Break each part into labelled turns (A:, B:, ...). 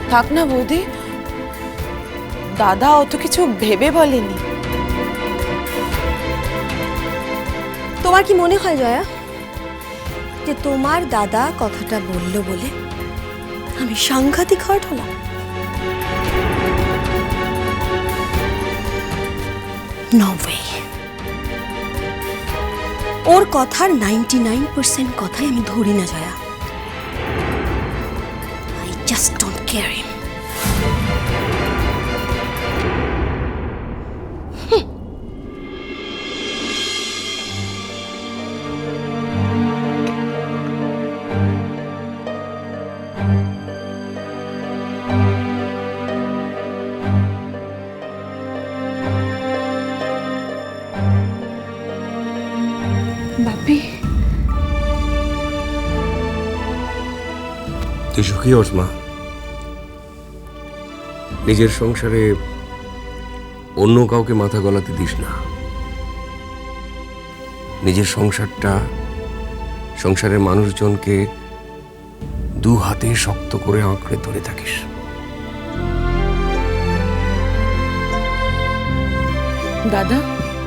A: থাক না বৌদি, দাদা অত কিছু ভেবে বলেনি।
B: তোমার কি মনে হয় জয়া যে তোমার দাদা কথাটা বলল বলে আমি সাংঘাতিক হার্ট হলাম? No way. ওর কথার 99% কথাই আমি ধরি না Jaya. I just don't care him.
A: Bapi,
C: তুই সুখী হোস মা। নিজের সংসারে অন্য কাউকে মাথা গলাতে দিস না। নিজের সংসারটা, সংসারের মানুষজনকে দু হাতে শক্ত করে আঁকড়ে ধরে থাকিস।
A: দাদা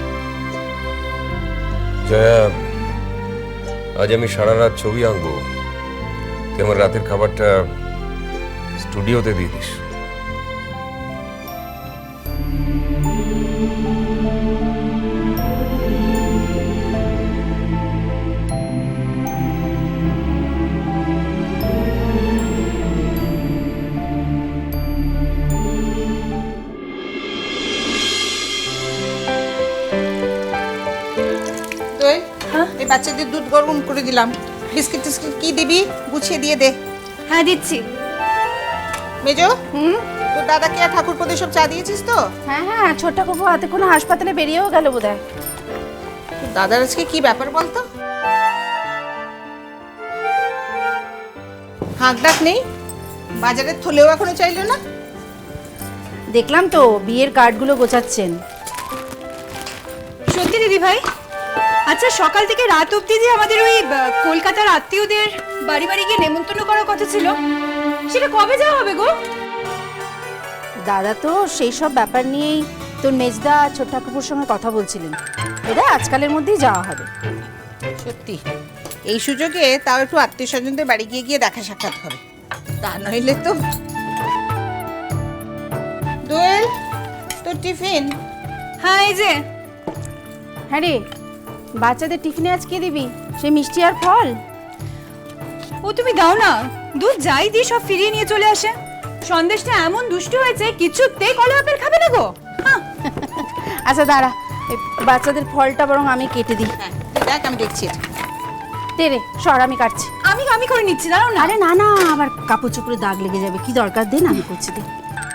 C: জয়া, আজ আমি সারা রাত ছবি আঁকবো। তুই আমার রাতের খাবারটা স্টুডিওতে দিয়ে দিস।
D: এই বাচ্চাদের দুধ গরম করে দিলাম। বিস্কিট টিস্কিট কি দিবি গুছিয়ে দিয়ে দে।
B: হ্যাঁ দিচ্ছি।
D: মেজো, তোর দাদাকে আর ঠাকুরপোদের সব চা দিয়েছিস তো?
E: হ্যাঁ হ্যাঁ, ছোট্ট কাকু হাতে কোনো হাসপাতালে বেরিয়েও গেল বোধহয়।
D: তোর দাদার আজকে কি ব্যাপার বলতো? হাঁক ডাক নেই, বাজারের থলেও এখনো চাইলো না।
E: দেখলাম তো বিয়ের কার্ডগুলো গোছাচ্ছেন।
B: সত্যি দিদি ভাই? আচ্ছা, সকাল থেকে রাত অবধি যে আমাদের ওই কলকাতার আত্মীয়দের বাড়ি বাড়ি গিয়ে নেমন্তন্ন করার কথা ছিল, সেটা কবে যাওয়া হবে গো?
E: দাদা তো সেই সব ব্যাপার নিয়েই তোর মেজদা ছোট্ট কাকুর সঙ্গে কথা বলছিলেন। এটা আজকালের মধ্যেই যাওয়া হবে।
D: সত্যি এই সুযোগে তাও একটু আত্মীয় স্বজনদের বাড়ি গিয়ে গিয়ে দেখা সাক্ষাৎ হবে, তা নইলে তো। দোয়েল, তোর টিফিন?
B: হ্যাঁ এই যে।
E: হ্যাঁ রে, বাচ্চাদের টিফিনে আজ কি দিবি? সেই মিষ্টি আর ফল?
B: ও তুমি দাও না, দুধ যাই দিয়ে সব ফিরিয়ে নিয়ে চলে আসে। সন্দেশটা এমন দুষ্টু হয়েছে, কিছুতেই কলা আপেল খাবে না গো।
E: আচ্ছা দাঁড়া, এই বাচ্চাদের ফলটা বরং আমি কেটে দিই।
D: হ্যাঁ দেখ, আমি দেখছি।
E: দে রে, সর আমি কাটছি।
B: আমি করে নিচ্ছি, দাঁড়াও না।
E: আরে না না, আবার কাপড় চোপড়ে দাগ লেগে যাবে, কি দরকার? দে না, আমি করছি, দে।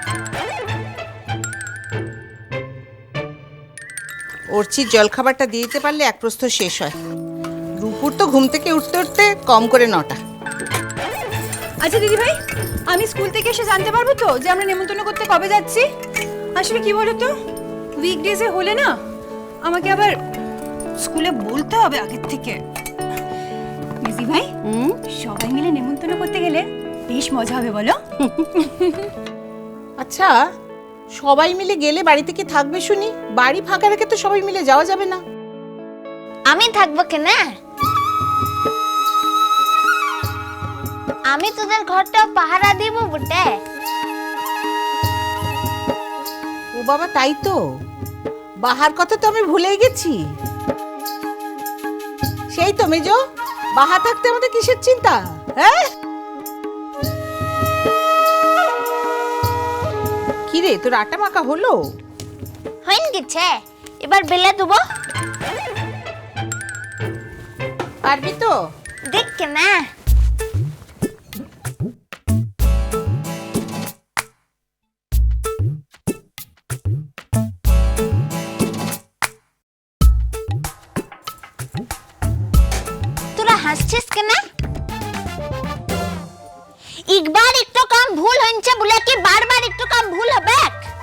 D: অর্চির জলখাবারটা দিয়ে দিতে পারলে এক প্রস্থ শেষ হয়। রূপুর তো ঘুম থেকে উঠতে উঠতে কম করে 9টা।
B: আচ্ছা দিদি ভাই, আমি স্কুল থেকে এসে জানতে পারবো তো যে আমরা নেমন্তন্ন করতে কবে যাচ্ছি? আসলে কি বলো তো, উইকডেজে হলে না আমাকে আবার স্কুলে বলতে হবে আগের থেকে। দিদি ভাই, সবাই মিলে নেমন্তন্ন করতে গেলে বেশ মজা হবে, বলো?
D: আচ্ছা, সবাই মিলে গেলে বাড়িতে কি থাকবে শুনি? বাড়ি ফাঁকা রেখে তো সবাই মিলে যাওয়া যাবে না।
F: আমি থাকবো কেন? আমি তোদের ঘরটা পাহারা দিব বটে।
D: ও বাবা, তাই তো, বাহার কথা তো আমি ভুলেই গেছি। সেই তো মেজো, বাহা থাকতে আমাদের কিসের চিন্তা? হ্যাঁ কি রে, তোর আটা মাখা হলো?
F: হইন গেছে, এবার বেলে দেবো।
D: পারবি তো?
F: দেখ না, তোরা হাসছিস কেন? একবার একটু কাম ভুল হয়েছে বলে কি বারবার একটু কাম ভুল হবে?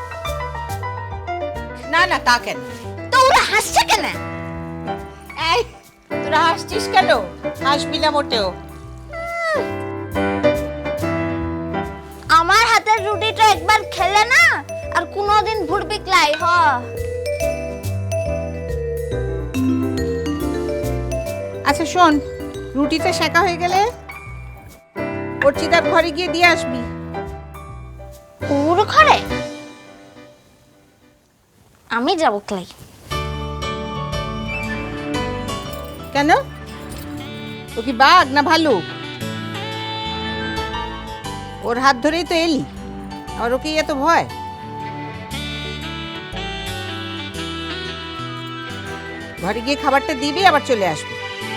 D: না না, তা কেন?
F: তো ওরা হাসছে কেন?
D: এই, তোরা হাসছিস কেন? হাসবি না মোটেও।
F: আমার হাতে হাতের রুটিটা একবার খেলে না আর কোনোদিন ভুলবি ক্লাই হ।
D: আচ্ছা শোন, রুটিটা সেকা হয়ে গেলে অর্চিতার ঘরে গিয়ে দিয়ে আসবি।
F: ওর ঘরে আমি যাব ক্লাই।
D: কেন? ও কি বাঘ না ভালুক? ওর হাত ধরেই তো এলি, আর ওকে এত ভয়? ঘরে গিয়ে খাবারটা দিবি, আবার চলে আসবি।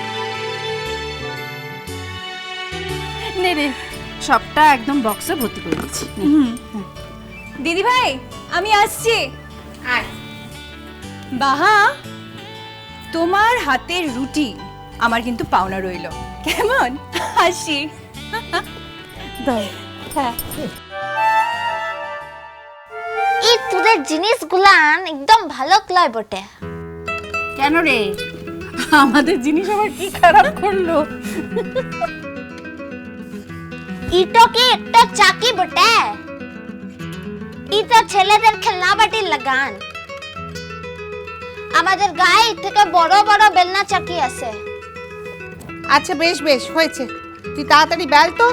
E: নে রে, সবটা একদম বক্সে ভর্তি করে দিচ্ছি।
B: দিদি ভাই আমি আসছি।
D: আয়।
B: বাহা, তোমার হাতের রুটি আমার কিন্তু পাওনা রইলো, কেমন? আসি।
F: এই তোদের জিনিসগুলান একদম ভালো ক্লাই বটে।
E: কেন রে, আমাদের জিনিস আবার কি খারাপ করলো?
F: ইটো কি একটা চাকি বটে? ইটা ছেলেদের খেলনা বাটির লাগান। আমাদের গায়ে থেকে বড় বড় বেলনা চাকি আছে।
D: আচ্ছা বেশ বেশ হয়েছে, তুই তাড়াতাড়ি বেল তো।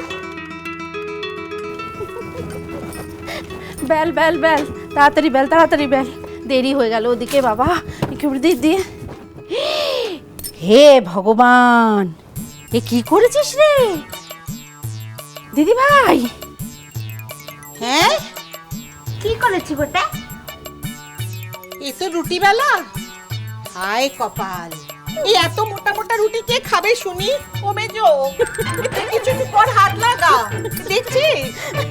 E: বেল বেল বেল, তাড়াতাড়ি বেল, তাড়াতাড়ি বেল, দেরি হয়ে গেল ওদিকে বাবা। একটু দিয়ে হে ভগবান, এ কি করেছিস রে দিদি ভাই?
D: হ্যাঁ,
F: কি করেছি বটে?
D: এ তো রুটি বেলা। হায় কপাল, এই এত মোটা মোটা রুটি কে খাবে শুনি? ও মেজো, তুই কিছু পর হাত লাগা, দেখছিস?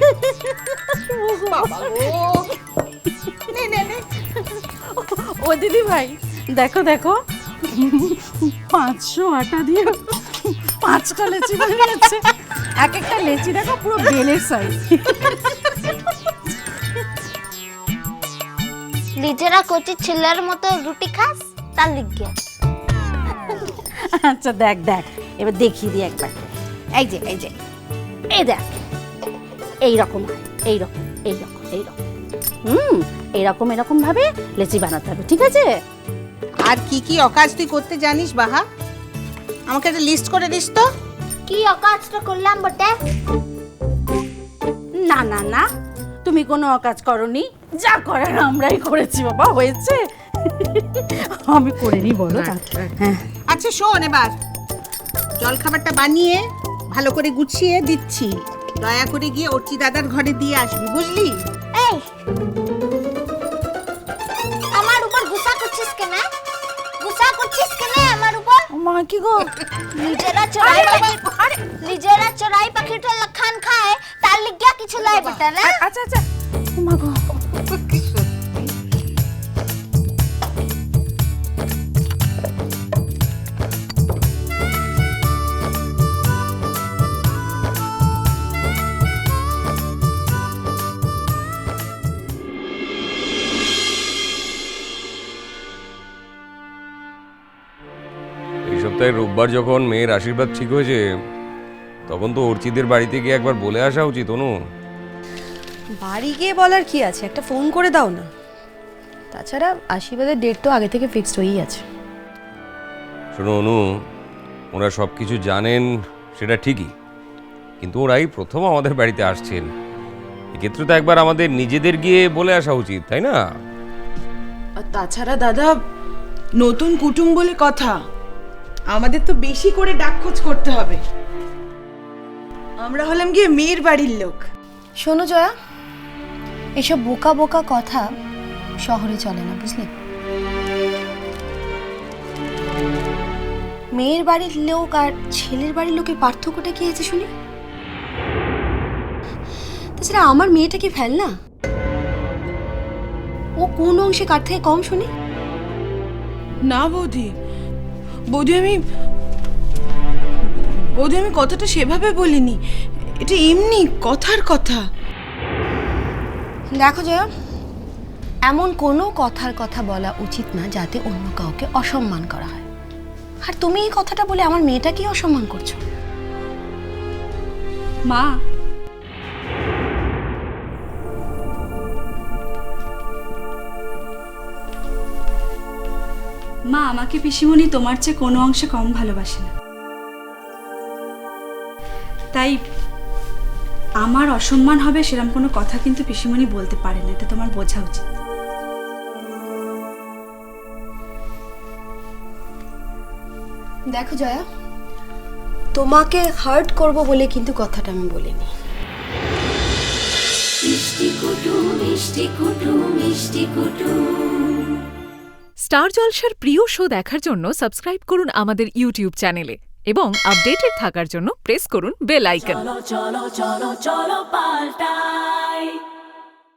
D: বাবা গো, নে নে নে।
E: ও দিদি ভাই দেখো দেখো, 500 আটা দিয়ে 5টা লেচি বানিয়েছে। এক একটা লেচি দেখো পুরো বেলের সাইজ।
F: নিজেরা কচি ছেলের মতো রুটি খাস, তার লিগে।
E: আচ্ছা দেখ দেখ, এবার দেখিয়ে দিই একবার। এই যে এই যে, এই দেখ, এইরকম এইরকম এইরকম এইরকম, এইরকম এরকম ভাবে লেচি বানাতে হবে, ঠিক আছে?
D: আর কি কি অকাজ তুই করতে জানিস বাহা? আমাকে একটা লিস্ট করে দিস তো।
F: কি অকাজটা করলাম বটে?
E: না না না, তুমি কোনো অকাজ করনি, যা করার আমরাই করেছি বাবা, হয়েছে। আমি করে নি, বলো। হ্যাঁ
D: আচ্ছা শোন, এবার জল খাবারটা বানিয়ে ভালো করে গুছিয়ে দিচ্ছি, দয়া করে গিয়ে অর্চি দাদার ঘরে দিয়ে আসবি, বুঝলি?
F: এই আমার উপর গুসা করছিস কেন? গুসা করছিস কেন আমার উপর?
E: মা কি গো,
F: নিজেরা চড়াই পাখিটা লখান খায়, তার লিগিয়া কিছু লাই বটে না?
E: আচ্ছা আচ্ছা, মা গো।
C: এই সপ্তাহে রোববার যখন মেয়ের আশীর্বাদ ঠিক হয়েছে, তখন তো অর্চিদের বাড়িতে গিয়ে একবার বলে আসা উচিত। অনু,
G: বাড়ি গিয়ে বলার কি আছে, একটা ফোন করে দাও না। তাছাড়া আশীর্বাদের ডেট তো আগে থেকে ফিক্সড হয়েই আছে।
C: শোনো অনু, ওরা সব কিছু জানেন সেটা ঠিকই, কিন্তু ওরাই প্রথম আমাদের বাড়িতে আসছেন। এক্ষেত্রে তো একবার আমাদের নিজেদের গিয়ে বলে আসা উচিত, তাই না?
A: আর তাছাড়া দাদা, নতুন কুটুম বলে কথা, আমাদের তো বেশি করে ডাকখোঁজ করতে হবে। আমরা হলাম গিয়ে মেয়ের বাড়ির লোক।
G: শোনো জয়া, এসব বোকা বোকা কথা শহরে চলে না, বুঝলে? মেয়ের বাড়ির লোক আর ছেলের বাড়ির লোকের পার্থক্যটা কি আছে শুনি? তাছাড়া আমার মেয়েটা কি ফেল না? ও কোন অংশে কার থেকে কম শুনি?
A: না বৌদি, বৌদি আমি কথাটা সেভাবে বলিনি, এটা এমনি কথার কথা।
G: দেখো জয়া, এমন কোনো কথার কথা বলা উচিত না যাতে অন্য কাউকে অসম্মান করা হয়। আর তুমি এই কথাটা বলে আমার মেয়েটাকে অসম্মান করছো।
E: মা,
B: মা, আমাকে পিসিমণি তোমার চেয়ে কোনো অংশে কম ভালোবাসে না, তাই আমার অসম্মান হবে সেরকম কোনো কথা কিন্তু পিসিমণি বলতে পারে না, এটা তোমার বোঝা উচিত।
G: দেখো জয়া, তোমাকে হার্ট করব বলে কিন্তু কথাটা আমি বলিনি।
H: স্টার জলসার প্রিয় শো দেখার জন্য সাবস্ক্রাইব করুন আমাদের ইউটিউব চ্যানেলে এবং আপডেটেড থাকার জন্য প্রেস করুন বেল আইকন।
I: চলো চলো চলো চলো পাল্টাই